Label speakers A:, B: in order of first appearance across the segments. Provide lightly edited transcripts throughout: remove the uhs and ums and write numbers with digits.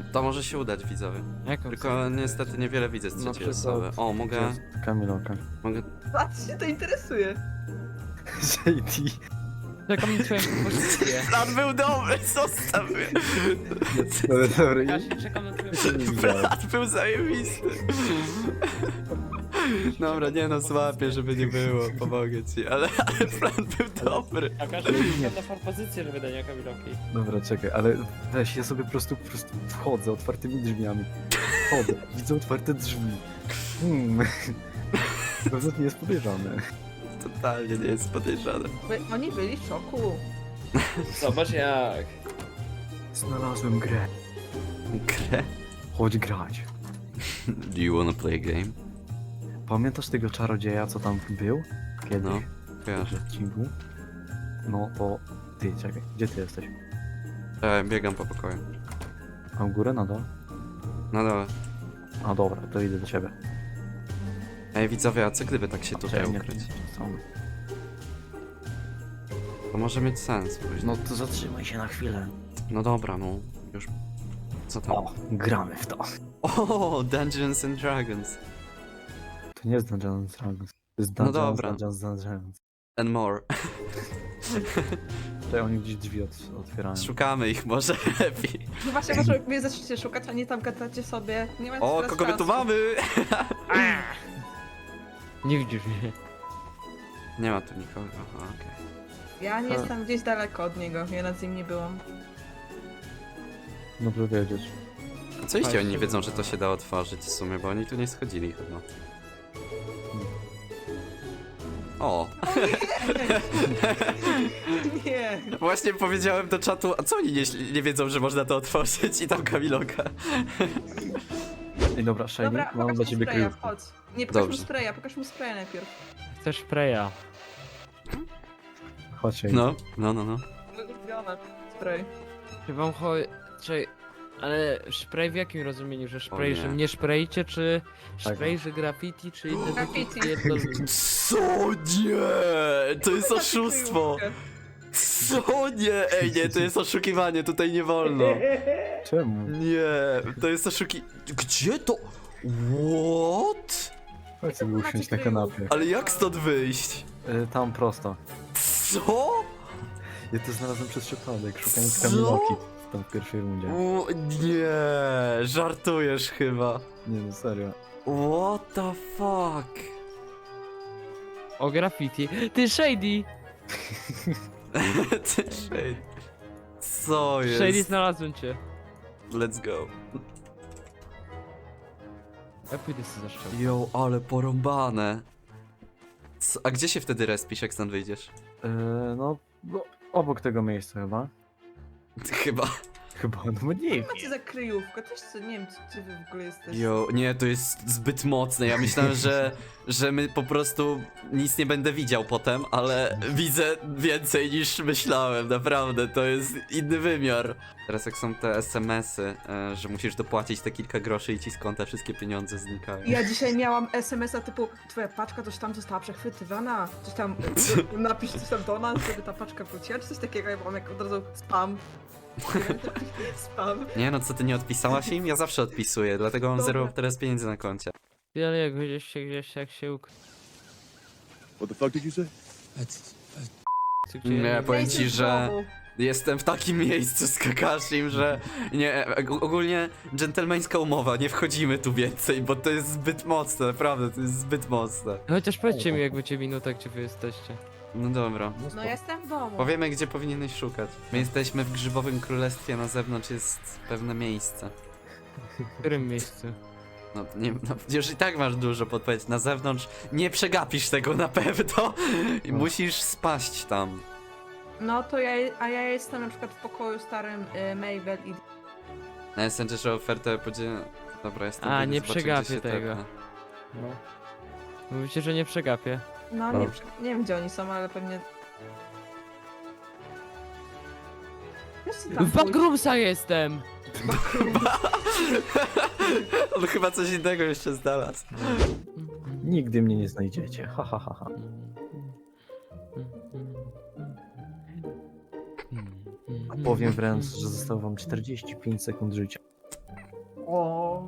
A: To może się udać, widzowie.
B: Jaką
A: Tylko niestety niewiele widzę z
C: Na
A: trzeciej
C: przykład-
A: osoby. O, mogę...
C: Kamiloka.
A: Mogę...
D: Patrz, się to interesuje.
C: JD.
B: Czekam na twoją pozycję.
A: Plan był dobry, zostaw mnie!
C: Dobry,
B: Kasia, czekam na twoją
C: nie widziałem.
A: Plan był zajebisty. Dobra, nie no, złapię, żeby nie było, pomogę ci, ale plan był dobry.
B: A Kasia, czekam na propozycję, żeby dać Kamiloki.
C: Dobra, czekaj, ale weź, ja sobie po prostu wchodzę otwartymi drzwiami. Wchodzę, widzę otwarte drzwi. Pewnie nie jest podejrzane.
A: Totalnie nie jest podejrzane.
D: Oni byli w szoku.
B: Zobacz jak.
C: Znalazłem grę.
A: Grę?
C: Chodź grać.
A: Do you wanna play a game?
C: Pamiętasz tego czarodzieja, co tam był? Kiedy?
A: No,
C: W
A: kojarzę.
C: odcinku? No to... Ty, czekaj, gdzie ty jesteś?
A: Biegam po pokoju.
C: A w górę, na dole?
A: No dobra.
C: A dobra, to idę do ciebie.
A: Ej, widzowie, a co gdyby tak się tutaj
C: Czekaj, nie,
A: ukryć?
C: są.
A: To może mieć sens później.
C: No to zatrzymaj się na chwilę.
A: No dobra, no. Już... Co tam?
C: O, gramy w to.
A: O, Dungeons and Dragons.
C: To nie jest Dungeons and Dragons. To jest
A: No
C: Dungeons,
A: dobra.
C: Dungeons and Dragons.
A: And more.
C: Tutaj oni gdzieś drzwi otwierają.
A: Szukamy ich może lepiej.
D: No właśnie, może mnie zaczniecie szukać, a nie tam gadacie sobie. Nie ma
A: O,
D: teraz
A: kogo my tu
D: czasu.
A: mamy?
B: Nie widzisz mnie.
A: Nie ma tu nikogo, aha, okej.
D: Ja nie jestem gdzieś daleko od niego, ja nad nim nie byłam.
C: Dobrze wiedzieć.
A: A co jeśli oni nie wiedzą, że to się da otworzyć w sumie, bo oni tu nie schodzili chyba. O,
D: Nie.
A: właśnie powiedziałem do czatu, a co oni nie wiedzą, że można to otworzyć i tam Kamiloka.
C: Ej, dobra, Shiny,
D: Dobra,
C: mam
D: pokaż
C: dla
D: mu
C: ciebie
D: spraya,
C: kryjówkę.
D: chodź. Nie, pokaż mu
A: Dobrze.
D: spraya, pokaż mu spraya najpierw.
B: Chcesz spraya.
C: Chodź, Shiny.
A: No.
D: Ulubione. Spray.
B: Czy wam chodzi... Czy... Ale spray w jakim rozumieniu? Że spray,
A: nie.
B: że mnie spraycie, czy
C: Tak.
B: spray, że graffiti, czy inne
D: Graffiti.
B: jedno...
A: Co nie? To jest oszustwo! Co nie? Ej, nie, to jest oszukiwanie, tutaj nie wolno.
C: Czemu?
A: Nie, to jest Gdzie to? What?
C: Chodź sobie usiąść na kanapie.
A: Ale jak stąd wyjść?
C: Tam prosto.
A: Co?
C: Ja to znalazłem przez przypadek, szukając
A: Co?
C: Kamiloki. Tam w pierwszej rundzie.
A: Nie, żartujesz chyba.
C: Nie no, serio.
A: What the fuck?
B: O graffiti. Ty Shady!
A: Ty shade. Co jest?
B: Shady, znalazłem cię.
A: Let's go.
B: Ja pójdę sobie za szczep.
A: Yo, ale porąbane. A gdzie się wtedy respisz, jak stąd wyjdziesz?
C: No, obok tego miejsca chyba.
A: Chyba.
C: Chyba, no nie.
D: Macie za kryjówkę, też co, nie wiem, czy wy w ogóle jesteście.
A: Jo, nie, to jest zbyt mocne. Ja myślałem, że my po prostu nic nie będę widział potem, ale widzę więcej niż myślałem, naprawdę, to jest inny wymiar. Teraz jak są te SMS-y, że musisz dopłacić te kilka groszy i ci z konta wszystkie pieniądze znikają.
D: Ja dzisiaj miałam SMS-a typu twoja paczka coś tam została przechwytywana, coś tam napisz coś tam do nas, żeby ta paczka wróciła, czy coś takiego, ja mam jak od razu spam. Spam.
A: Nie no, co ty nie odpisałaś im? Ja zawsze odpisuję, dlatego mam
D: Dobra.
A: 0 teraz pieniędzy na koncie.
B: Ale jak gdzieś jak się
E: What the fuck did you say?
A: Nie, powiem
D: Miejsce
A: ci,
D: w
A: że
D: domu.
A: jestem w takim miejscu z Kakashim, że nie, ogólnie dżentelmeńska umowa, nie wchodzimy tu więcej, bo to jest zbyt mocne, naprawdę, to jest zbyt mocne.
B: Chociaż powiedzcie mi, jak będzie minuta, gdzie wy jesteście.
A: No dobra.
D: No ja jestem w domu.
A: Powiemy, gdzie powinieneś szukać. My jesteśmy w Grzybowym Królestwie, na zewnątrz jest pewne miejsce.
B: W którym miejscu?
A: No, nie, no już i tak masz dużo podpowiedzi. Na zewnątrz nie przegapisz tego na pewno i musisz spaść tam.
D: No to a ja jestem na przykład w pokoju starym Mabel i...
A: Na Messengerze ofertę podzielę. Dobra, jestem.
B: A,
A: idę
B: nie
A: zobaczyć,
B: przegapię
A: gdzie się
B: tego.
A: tepnę.
B: No. Mówicie, że nie przegapię.
D: No nie, nie wiem gdzie oni są, ale pewnie... Wiesz, co tam
B: W Backroomsa jestem!
A: On chyba coś innego jeszcze znalazł.
C: Nigdy mnie nie znajdziecie. Ha, ha, ha, ha. A powiem wręcz, że zostało wam 45 sekund życia.
D: O.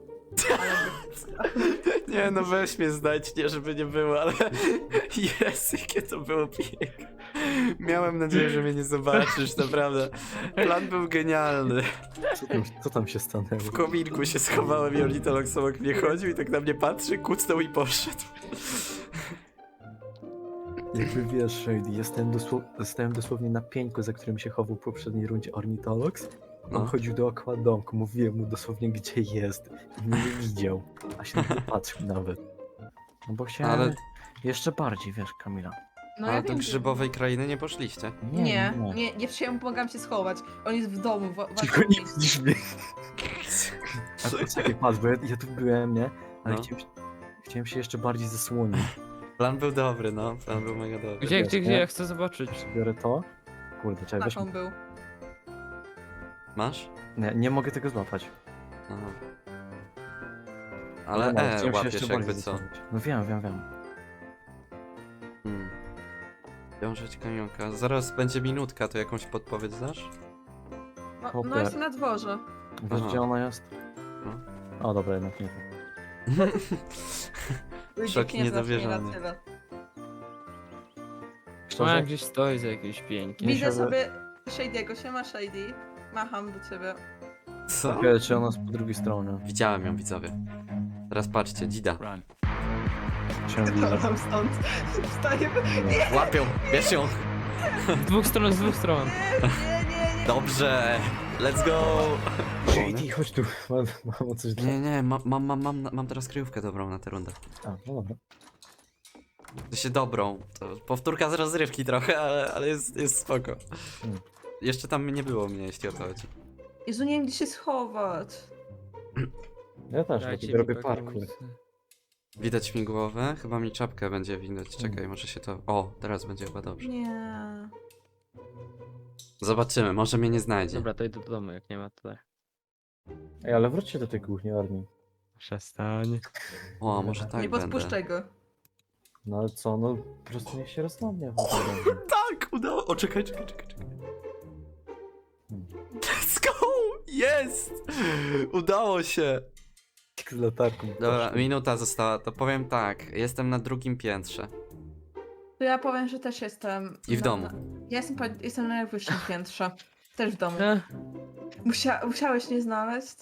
A: Nie no, weź mnie znać, nie żeby nie było, ale jest, jakie to było piękne. Miałem nadzieję, że mnie nie zobaczysz, naprawdę. Plan był genialny.
C: Co tam się stanęło?
A: W kominku się schowałem i ornitolog obok mnie chodził i tak na mnie patrzy, kucnął i poszedł.
C: Jakby wiesz, Shady, stałem dosłownie na pieńku, za którym się chował w poprzedniej rundzie Ornitolox. On
A: No.
C: chodził dookoła domku, mówiłem mu dosłownie gdzie jest i mnie nie widział, a się na to patrzył nawet. No bo chciałem
A: Ale-
C: jeszcze bardziej, wiesz, Kamila.
D: No
A: Ale
D: ja
A: do
D: wiem,
A: grzybowej krainy nie poszliście.
D: nie przyjąłem, pomagam się schować. On jest w domu.
C: Tylko nie widzisz mnie. A poczekaj, patrz, bo ja tu byłem, nie? Ale
A: No.
C: chciałem się jeszcze bardziej zasłonić.
A: Plan był dobry, no. Plan był mega dobry.
B: Gdzie,
C: Wiesz,
B: gdzie,
C: nie?
B: gdzie? Ja chcę zobaczyć.
C: Biorę to. Kurde, czekaj, weź.
D: Tak on był.
A: Masz?
C: Nie mogę tego złapać.
A: Aha. Ale
C: No, chciałem się
A: łapiesz
C: jeszcze
A: jakby
C: bardziej
A: co.
C: zasłonić. No wiem.
A: Wiążeć kamionka. Zaraz będzie minutka, to jakąś podpowiedź znasz?
D: No
C: Hopper.
D: jest na dworze.
C: Wiesz,
A: Aha.
C: gdzie ona jest?
A: No.
C: O, dobra, jednak nie.
A: Szok
D: Nie
A: niedowierzany.
D: na tyle.
C: Szczerze?
B: Ona gdzieś stoi za jakimś piękiem.
C: Nie
D: Widzę
C: siadę.
D: sobie Shady'ego, siema Shady. Macham do ciebie.
A: Co?
C: Okej, czy ona jest po drugiej stronie?
A: Widziałem ją, widzowie. Teraz patrzcie, Dzida.
C: Ciągle.
D: Tam stąd. Wstajemy.
A: Łapią, bierz ją.
B: Z dwóch stron.
D: Nie.
A: Dobrze, let's go.
C: Shady, chodź tu. Mam coś dla...
A: Nie, mam teraz kryjówkę dobrą na tę rundę.
C: A, no dobra.
A: To się dobrą. To powtórka z rozrywki trochę, ale jest spoko.
C: Hmm.
A: Jeszcze tam nie było mnie, jeśli o to chodzi.
D: Jezu, nie wiem gdzie się schować.
C: Ja też,
B: Dajcie
C: ja
B: mi
C: robię
B: taką
C: parkour.
B: misję.
A: Widać mi głowę, chyba mi czapkę będzie widać. Czekaj, może się to... O, teraz będzie chyba dobrze.
D: Nie.
A: Zobaczymy, może mnie nie znajdzie.
B: Dobra, to idę do domu, jak nie ma tutaj.
C: Ej, ale wróćcie do tej kuchni, Arni.
B: Przestań.
A: O, może tak
D: Nie
A: będę.
D: podpuszczaj go.
C: No ale co, no po prostu niech się rozsądnie.
A: Tak, udało. O, czekaj. Let's go! Jest! Udało się!
C: Z latarką.
A: Dobra, minuta została, to powiem tak. Jestem na drugim piętrze.
D: To ja powiem, że też jestem.
A: I w domu.
D: Ja jestem na najwyższym piętrze. Też w domu.
B: E,
D: Musiałeś nie znaleźć?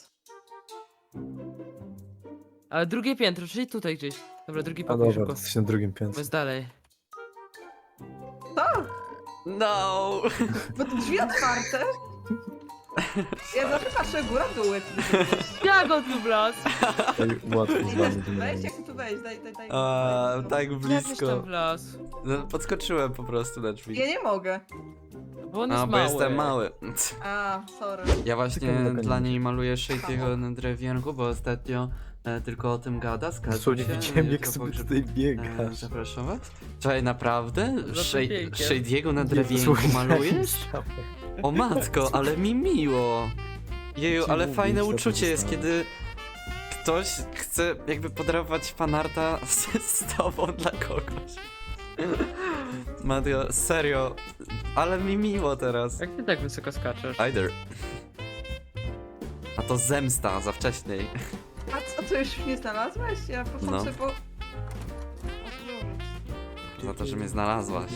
B: Ale drugie piętro, czyli tutaj gdzieś. Dobra, drugi
C: A
B: pokój
C: dobra,
B: szybko.
C: jesteś na drugim
B: Bo
C: piętrze.
B: jest dalej.
D: Co?
A: No!
D: Bo te drzwi otwarte? Ja zawsze patrzę góra w dół. jak tu jesteś.
B: Jak on tu wlazł?
C: Ej, łatwo z
D: Ej,
C: wami
D: Wejść,
C: generalnie.
D: jak tu wejść? Daj.
A: A, tak
B: Jak
A: blisko.
B: tam wlazł?
A: No, podskoczyłem po prostu na drzwi.
D: Ja nie mogę.
B: Bo on jest
A: A, bo
B: mały.
A: jestem mały.
D: A, sorry.
A: Ja właśnie
C: Tylko nie
A: dla
C: będzie.
A: niej maluję Shady'ego na drewienku, bo ostatnio tylko o tym gada, zgadza
C: Słuchaj,
A: się.
C: widziałem jak
A: jutro
C: sobie
A: pogrzeb-
C: tutaj biegasz.
A: Zapraszam was. Czekaj, naprawdę?
B: Za tym piękiem.
A: Shady'ego na
C: Nie,
A: drewienku
C: słuchaj,
A: malujesz?
C: stawę.
A: O matko, ale mi miło. Jeju,
C: Ci
A: ale
C: mówię,
A: fajne
C: co to
A: uczucie jest,
C: zostało.
A: kiedy ktoś chce jakby podarować fanarta z tobą dla kogoś. Mateo, serio, ale mi miło teraz.
B: Jak ty tak wysoko skaczesz?
A: Either. A to zemsta za wcześniej.
D: A co już nie znalazłeś? Ja poszłam
A: No.
D: sobie po...
A: Za to, że mnie znalazłaś.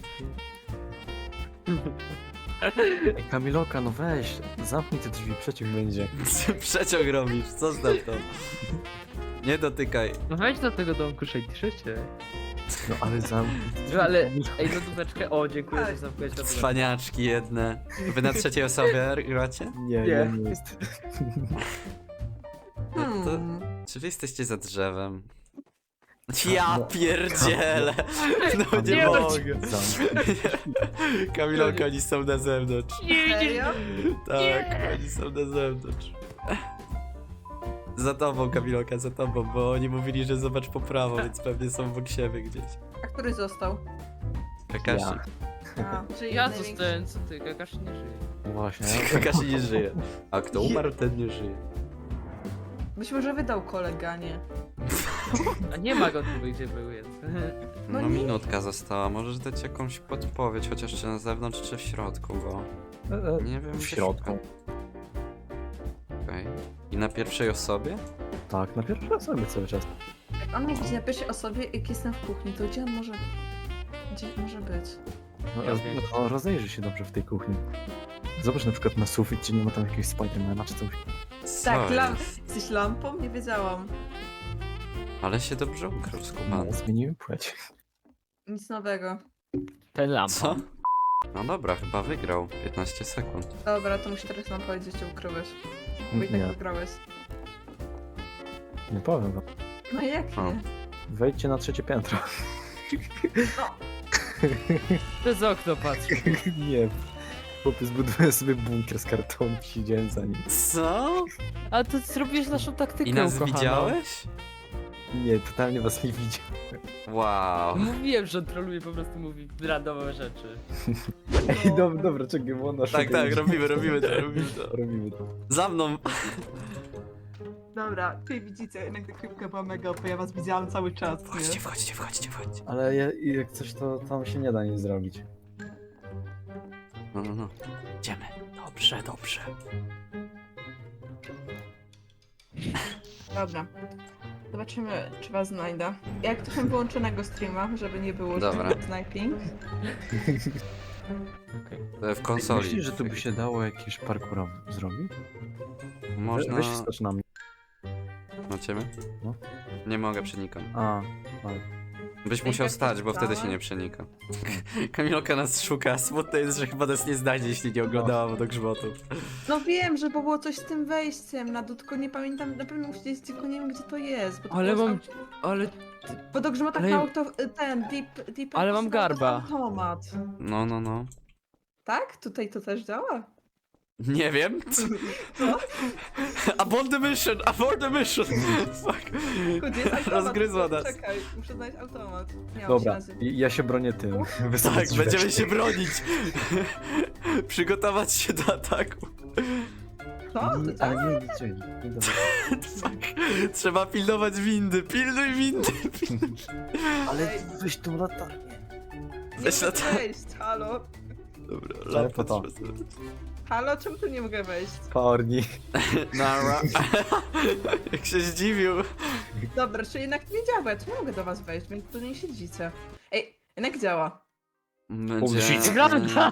C: Ej, Kamiloka, no weź, zamknij te drzwi, przeciw będzie.
A: Przeciąg robisz, zostaw to. Nie dotykaj.
B: No wejdź do tego domku, szejdziszecie.
C: No ale zamknij.
B: No ale, ej, lodóweczkę. O, dziękuję,
D: Tak.
B: że zamknąłeś lodóweczkę.
A: Cwaniaczki jedne. Wy na trzeciej osobie gracie?
C: Nie, ja nie jest.
A: Czy wy jesteście za drzewem? Ja
C: No.
A: pierdzielę! No nie
B: Nie,
A: mogę.
C: Zamknij.
A: Kamilonka, oni są na zewnątrz.
D: Serio?
A: Tak, oni są na zewnątrz. Za tobą, Kamilonka, za tobą, bo oni mówili, że zobacz po prawo, więc pewnie są obok siebie gdzieś.
D: A który został?
A: Kakashi.
C: Ja.
D: A, czyli
B: Ja
D: największy.
B: zostałem, co ty, Kakashi nie żyje.
C: Właśnie.
A: Kakashi nie żyje. A kto umarł, ten nie żyje.
D: Być może wydał koleganie.
B: A nie ma go tu, gdzie był, więc.
A: No,
D: No nie.
A: minutka została, możesz dać jakąś podpowiedź, chociaż czy na zewnątrz, czy w środku, bo nie wiem
C: W
A: gdzie
C: środku.
A: szukam. Okej. I na pierwszej osobie?
C: Tak, na pierwszej osobie cały czas.
D: Jak on mnie widzi na pierwszej osobie, jak jestem w kuchni, to gdzie on może... Gdzie może być?
C: No,
B: Ja wiem.
C: rozejrzyj się dobrze w tej kuchni. Zobacz na przykład na sufit, czy nie ma tam jakiegoś Spidermana czy coś.
A: Co
D: Tak,
A: jest?
D: jesteś lampą? Nie wiedziałam.
A: Ale się dobrze ukrył, skubany.
C: No, zmieniłem płeć.
D: Nic nowego.
B: Ten lamp.
A: Co? No dobra, chyba wygrał. 15 sekund.
D: Dobra, to muszę teraz nam powiedzieć, gdzie ukryłeś. Bo i tak
C: Nie,
D: wygrałeś.
C: nie powiem wam.
D: No jak
A: O.
D: nie?
C: Wejdźcie na 3 piętro.
B: Przez okno patrz.
C: Nie. Chłopiec zbudowałem sobie bunkier z kartonu, siedziałem za nim.
A: Co?
B: A to zrobiłeś naszą taktykę,
A: I nas
B: ukochana.
A: widziałeś?
C: Nie, totalnie was nie widział.
A: Wow.
B: Mówiłem, że on troluje, po prostu mówi randomowe rzeczy.
C: Ej, dobra, czekaj, bo ona
A: Tak,
C: szuka-
A: robimy to.
C: Robimy to.
A: Za mną.
D: Dobra, ty widzicie, jednak ta krypka była mega, bo ja was widziałam cały czas, nie?
A: Wchodźcie.
C: Ale jak coś, to tam się nie da nic zrobić.
A: No. Idziemy. Dobrze.
D: Dobra. Zobaczymy, czy was znajdę. Jak trochę wyłączonego streama, żeby nie było
A: Dobra.
D: sniping.
A: W konsoli.
C: Myślisz, że tu by się dało jakieś parkour zrobić?
A: Można...
C: Weź skocz na mnie.
A: Na ciebie?
C: No.
A: Nie mogę przenikać. Byś
D: Jak
A: musiał
D: tak
A: stać, bo wtedy się
D: czytałem?
A: nie przenika. Kamilka nas szuka. Smutne jest, że chyba nas nie znajdzie, jeśli nie oglądała do grzmotów.
D: No wiem, że było coś z tym wejściem na dół, tylko nie pamiętam, na pewno musi gdzieś, tylko nie wiem, gdzie to jest. Bo to
B: Ale
D: było
B: mam...
D: z
B: Ale...
D: Bo do grzmotach
B: ale-
D: na auto, ten, deep
B: Ale mam
D: to
B: garba.
D: automat.
A: No.
D: Tak? Tutaj to też działa?
A: Nie wiem. Abort the mission! Fuck.
D: Gdzie jest automat?
A: Rozgryzła nas.
D: Czekaj, muszę znaleźć automat. Nie, on się
C: Dobra,
D: nazywa.
C: ja się bronię tym.
A: Tak, będziemy się bronić. Przygotować się do ataku.
D: Co? To
C: Ale
D: działa?
C: nie widzieli. Nie dobra.
A: Fuck. Trzeba pilnować windy. Pilnuj windy.
C: Ale weź tą latarnię.
D: Nie
A: Weź
D: mogę
A: lata-
D: wejść, halo?
A: Dobra,
C: Ale po to.
D: Halo, czemu tu nie mogę wejść?
C: Korni.
A: Nara. Jak się zdziwił.
D: Dobra, czyli jednak nie działa, ja tu nie mogę do was wejść, więc tu nie siedzicie. Ej, jednak działa.
A: Będzie...
B: Wygląda!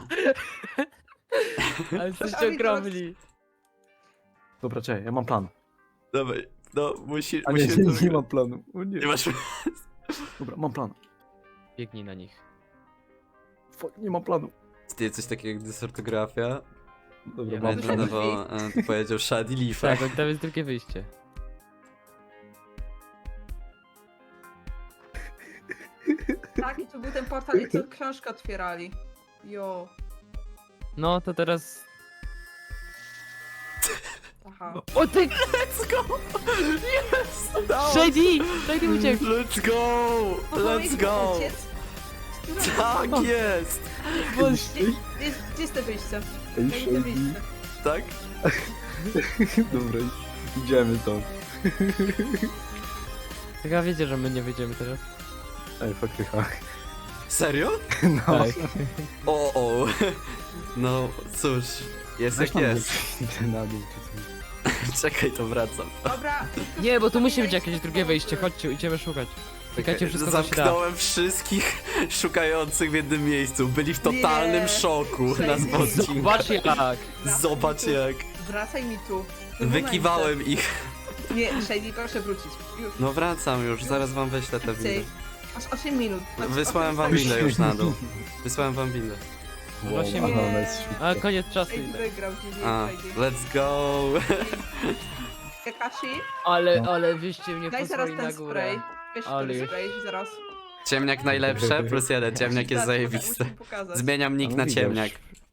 B: Ale jesteście
D: Ami,
B: ogromni.
C: Dobra, czekaj, ja mam plan.
A: Dawaj, no musisz...
C: A nie,
A: musimy to
C: nie
A: wygrać.
C: mam planu. O nie.
A: Nie masz...
C: Dobra, mam plan.
B: Biegnij na nich.
C: Fuck, nie mam planu.
A: Ty coś takiego jak dysortografia?
C: Dobra,
B: Ja
C: mam
A: Będę
C: plan.
A: dawał, to powiedział Shady Leaf.
B: Tak, tam jest drugie wyjście.
D: Tak, i tu był ten portal, i tu książkę otwierali. Jo.
B: No, to teraz...
D: Aha.
B: O ty...
A: Let's go! Yes! Udało się!
B: Shady uciekł!
A: Let's go! Let's go!
D: Uciec?
A: Tak jest!
D: Gdzie jest te wyjście?
C: Ej,
D: Ja idę wyjście.
A: Tak?
C: Dobra, idziemy to.
B: Tylko wiecie, że my nie wyjdziemy teraz.
C: Ej, faktycha.
A: Serio?
C: No.
B: Tak.
A: O. No cóż, jest
C: Weź
A: jak
C: tam
A: jest.
C: Idę na dół czy coś.
A: Czekaj, to wracam.
D: Dobra.
B: Nie, bo tu musi być jakieś drugie wyjście, chodźcie, idziemy szukać. Klikajcie wszystko, co się da.
A: Zamknąłem wszystkich szukających w jednym miejscu. Byli w totalnym
D: Nie.
A: szoku na
D: Shady.
A: odcinku.
B: Zobacz jak!
A: Zobacz jak.
D: Wracaj mi tu.
A: Wykiwałem ich.
D: Nie, Shady, proszę wrócić. Już.
A: No wracam już, zaraz wam wyślę te
D: Szybciej.
A: windy.
D: Aż 8 minut.
A: Wysłałem wam windę już na dół. Wysłałem wam windę.
B: Właśnie
C: Wow,
D: nie.
C: ona jest szybka.
B: A koniec czasu
D: Shady
B: idę.
D: wygrał, GG,
A: A,
D: Shady.
A: let's go.
D: Kakashi,
B: Ale wyście mnie
D: daj zaraz
B: pozwoli na
D: ten
B: górę.
D: spray. Weź
B: Ale
D: ten
B: już.
D: spray, zaraz.
A: Ciemniak najlepsze, +1, ciemniak jest
D: Zaraz,
A: zajebisty.
D: musimy pokazać.
A: Zmieniam nick
C: No
A: na
C: widzę
A: ciemniak.
C: już.